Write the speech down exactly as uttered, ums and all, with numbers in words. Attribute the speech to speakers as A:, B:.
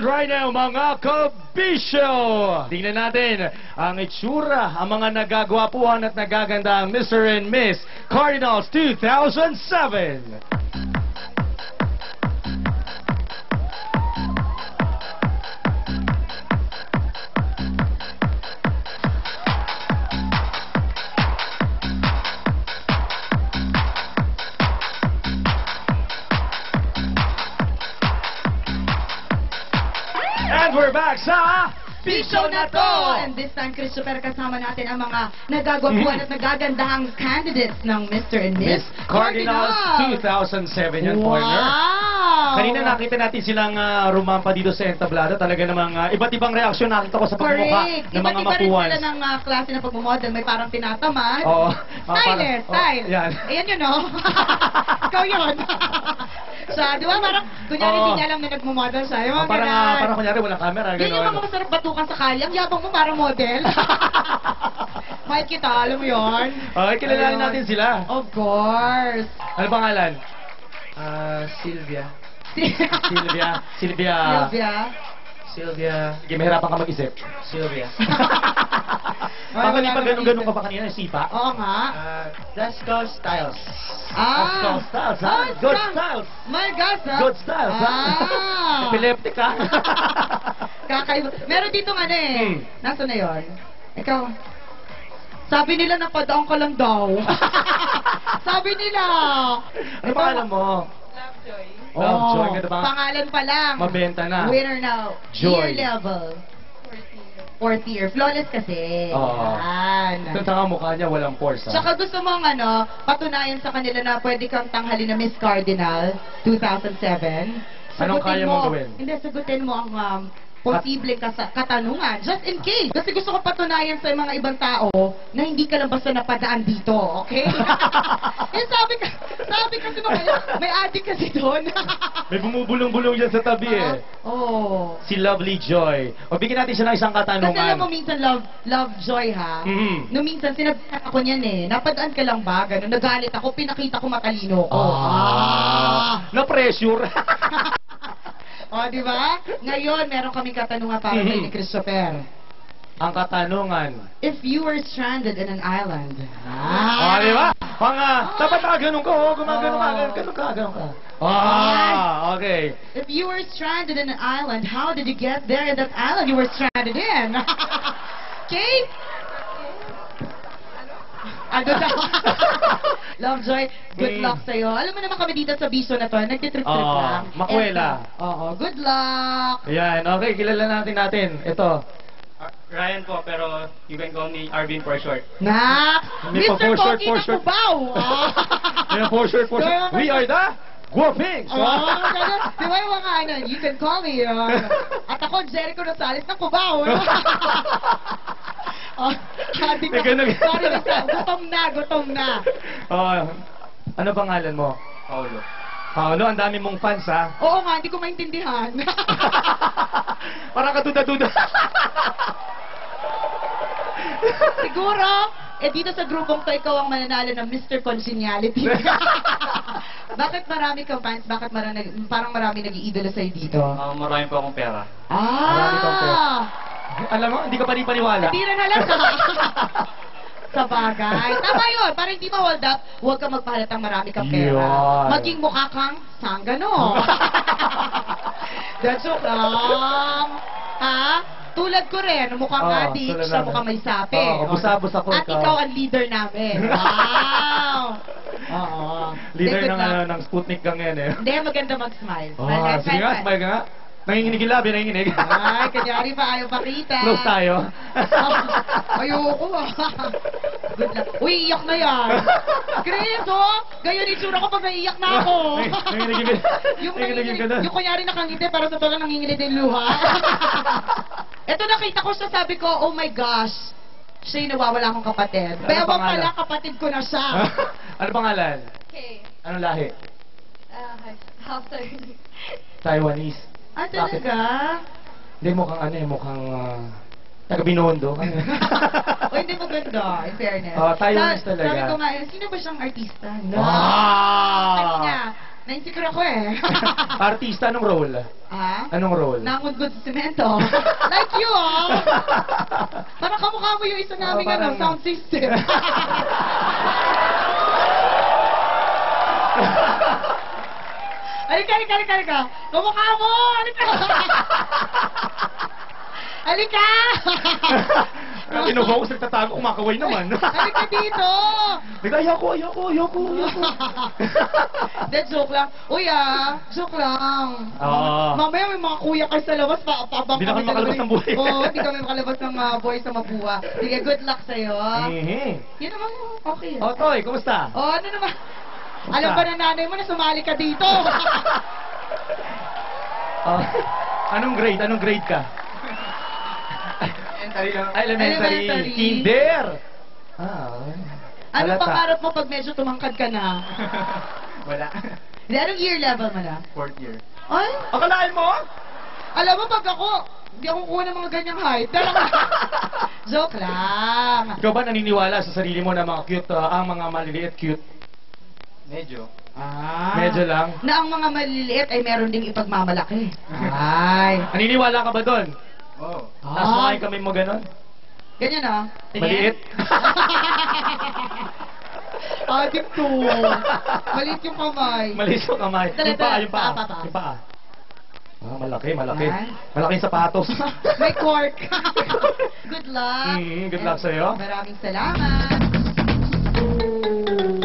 A: right now, mga kabisyo! Tingnan natin ang itsura, ang mga nagagwapuhan at nagagandang Mister and Miss Cardinals two thousand seven. And we're back sa
B: Bisyo na to! And this time, Christopher, kasama natin ang mga nagagwapuan at nagagandahang candidates ng Mister and Miss
A: Miss Cardinals two thousand seven yan,
B: Wow!
A: partner. Kanina nakita natin silang uh, rumampa dito sa entablado. Talaga namang uh, iba't ibang reaksyon nakita ko sa pagmumukha
B: Correct!
A: ng mga
B: Iba't iba rin
A: mapuwan.
B: sila ng uh, klase ng pagmumodel. May parang tinatamad.
A: Oo.
B: Style
A: parang-
B: eh, style.
A: oh, yan.
B: Ayan yun, no? Ikaw yun. So, di ba, parang, kunyari,
A: Oo.
B: hindi niya alam na nagmumodel siya. Yung
A: Oh,
B: mga
A: parang,
B: ganun.
A: uh, parang kunyari walang camera.
B: Yan yung mga
A: Gano'n.
B: masarap batukan sa kalyang. Yabang mo parang model. Mahit kita, alam mo yun?
A: Okay, kilalanin
B: Ayun.
A: natin sila.
B: Of course.
A: Ano pangalan?
C: Ah, Sylvia.
A: Sylvia. Sylvia.
B: Sylvia.
C: Sylvia.
A: Sige, mahirapan ka mag-isip.
C: Sylvia.
A: Baka
B: wala
A: di pa
B: naman
A: ganun-ganun
B: isip.
A: ka pa kanina, sipa?
B: Oo nga.
C: Ah, that's called Styles.
A: That's called styles, ha?
B: Oh,
A: Good
B: style.
A: styles.
B: My God, ha?
A: Good styles, ha?
B: Ah.
A: Epileptic, ha?
B: Kakaiba. Meron dito nga na eh.
A: Hmm.
B: Nasaan na yun? Ikaw. Sabi nila napadaong ka lang daw. Sabi nila.
A: Ano pangalan mo?
B: Lovejoy.
A: Lovejoy,
B: Oh,
A: ganda ba?
B: pangalan pa lang.
A: Mabenta na.
B: Winner now.
A: Joy.
B: Year level. Fourth year. Flawless kasi.
A: Oo.
B: Yan.
A: Ito sa mukha niya, walang force, ha?
B: Tsaka gusto mong ano, patunayan sa kanila na pwede kang tanghali na Miss Cardinal two thousand seven.
A: Anong kaya mong gawin?
B: Hindi, sagutin mo ang um, posibleng kasa- katanungan. Just in case. Kasi gusto ko patunayan sa mga ibang tao na hindi ka lang basta napadaan dito, okay? eh, sabi ka, sabi kasi nung may adik kasi doon.
A: May bumubulong-bulong dyan sa tabi, eh.
B: Oh.
A: Si Lovely Joy. O, bigyan natin siya ng isang
B: Kasi alam mo
A: katanungan.
B: minsan love, love joy ha.
A: Mhm.
B: Nung minsan sinabihan ako niyan eh, napadaan ka lang ba? Ganun, nagalit ako, pinakita ko matalino ko.
A: Ah. Na-pressure.
B: O, di ba? Ngayon, meron kaming katanungan para kay ni Christopher.
A: Ang katanungan.
B: If you were stranded in an island,
A: Ah, di ba? Mga, dapat ka ganun ka, oh. Gumagano ka,
B: Oh.
A: ganun ka, ganun ka. Ah, okay.
B: If you were stranded in an island, how did you get there in that island you were stranded in? Okay? Ano daw? Lovejoy, good
A: Mm.
B: luck sa'yo. Alam mo naman kami dito sa Bisyo na to, nagtitrip-trip
A: Oo,
B: lang.
A: makwela.
B: Eto. Oo, good luck!
A: Ayan, okay, kilala natin natin. Ito.
C: Ah, Ryan po, pero you can call me Arvin for short.
B: Nak!
A: Hindi pa,
B: Mister
A: for short,
B: Pogi
A: for
B: ng
A: short.
B: Cubao!
A: Ayan, for sure, for sure. We are the Guapings!
B: Oo, ganun. Di ba yung mga ano, you can call me. Uh, at ako, Jericho Rosales ng Cubao. Oh, sabi ko,
A: Eh, ganun.
B: sorry, basta, gutom na, gutom na.
A: Oh, ano pangalan mo?
C: Paulo.
A: Paolo, ang dami mong fans, ha?
B: Oo nga, hindi ko maintindihan.
A: Parang katuda-duda.
B: Siguro, eh dito sa grupong to, ikaw ang mananalo ng Mister Congeniality. Bakit marami kang fans? Bakit marami, parang marami nag-iidolo sa'yo dito?
C: Ah, marami po akong pera.
A: Marami kang pera.
B: Ah!
A: Alam mo, hindi ka pa rin paniwala.
B: Hindi rin halata. Sa bagay. Tama yun. Para hindi ma-hold up, huwag ka magpahalatang marami kang pera.
A: Yun.
B: Maging mukha kang sanggano. That's joke lang. Ha? Tulad ko rin, mukhang
A: Oo,
B: adik,
A: tulad
B: siya
A: namin.
B: mukhang may sapi.
A: Oo, busabos ako,
B: At
A: ikaw.
B: ikaw ang leader namin. Wow! Oo.
A: Leader
B: Hindi,
A: ng,
B: good
A: ano,
B: luck.
A: ng Sputnik gang yan, eh.
B: Hindi, maganda mag-smile.
A: Oh,
B: Smile, smile,
A: sige nga,
B: smile.
A: smile ka nga. Nanginginig yung labi, nanginginig.
B: Ay, kanyari pa, ayaw pakita.
A: Close tayo.
B: Ayoko ah. Good luck. Uy, iyak na yan. Chris, oh! Ganyan yung tsura ko pag naiiyak na ako.
A: Nanginginig yung
B: yung,
A: nanginginig yung ganun.
B: yung kunyari nakangiti, pero sa tola nangingilid yung luha. Ito nakita ko siya, sabi ko, oh my gosh, siya yung nawawala akong kapatid.
A: Ano
B: Pero
A: pangalan?
B: pala, kapatid ko na siya.
A: Ano pangalan?
D: Okay.
A: Anong lahi?
D: Uh, Hausa.
A: Taiwanese.
B: Ah, talaga?
A: Hindi, mukhang ano eh, mukhang uh, taga Binondo.
B: O hindi maganda, in fairness.
A: Oh, Taiwanese
B: Sa-
A: talaga.
B: Sabi ko nga, eh, sino ba siyang artista? No.
A: Wow!
B: Kanina, Na-insecure ako eh.
A: Artista, anong role?
B: ah?
A: Anong role?
B: Nangungod sa semento. Like you, ah. Parang kamukha mo yung isa naming
A: Oh, parang-
B: ano, sound system. Halika, halika, halika, halika. Kamukha mo! Halika! Halika!
A: Kinuha ko sa nagtatago, kumakaway naman.
B: Halika dito!
A: Nagka, ayoko, ayoko, ayoko, ayoko.
B: That joke lang. Uy ah, joke lang.
A: Oo.
B: Mamaya may mga kuya kayo sa labas, pa paabang
A: Hindi na kami makalabas ng buhay.
B: Oo, hindi kami makalabas ng mga boys sa mabuha. Sige, good luck sa'yo.
A: Mhm.
B: Yun naman, okay.
A: O, Toy, kumusta?
B: Oh, ano naman? Alam ba na nanay mo na sumali ka dito?
A: Oh, anong grade? Anong grade ka?
C: Elementary lang.
A: Ah, elementary.
B: Elementary.
A: Kinder. Ah, okay.
B: Ano
A: Halata.
B: pangarap mo pag medyo tumangkad ka na?
C: Wala.
B: Hindi, anong year level mo na?
C: Fourth year.
B: Ay,
A: Akalain mo?
B: alam mo pag ako, hindi ako kuha ng mga ganyang height. Pero, joke lang.
A: Ikaw ba naniniwala sa sarili mo na mga cute, ah, ang mga maliliit cute?
C: Medyo.
B: Ah.
A: Medyo lang.
B: Na ang mga maliliit ay meron ding ipagmamalaki. Ay.
A: Naniniwala ka ba doon?
C: Oh.
A: Tapos
B: Ay.
A: kumain kami mo ganon?
B: Ganyan ah. Tingin.
A: Maliit?
B: Adik to. Maliit yung kamay.
A: Maliit yung kamay.
B: Dali,
A: Yung paa,
B: dali.
A: yung paa.
B: Paa, paa.
A: Yung paa. Ah, malaki, malaki.
B: Ay.
A: Malaking sapatos.
B: May cork. Good luck.
A: Mm, good luck sa'yo.
B: Maraming salamat.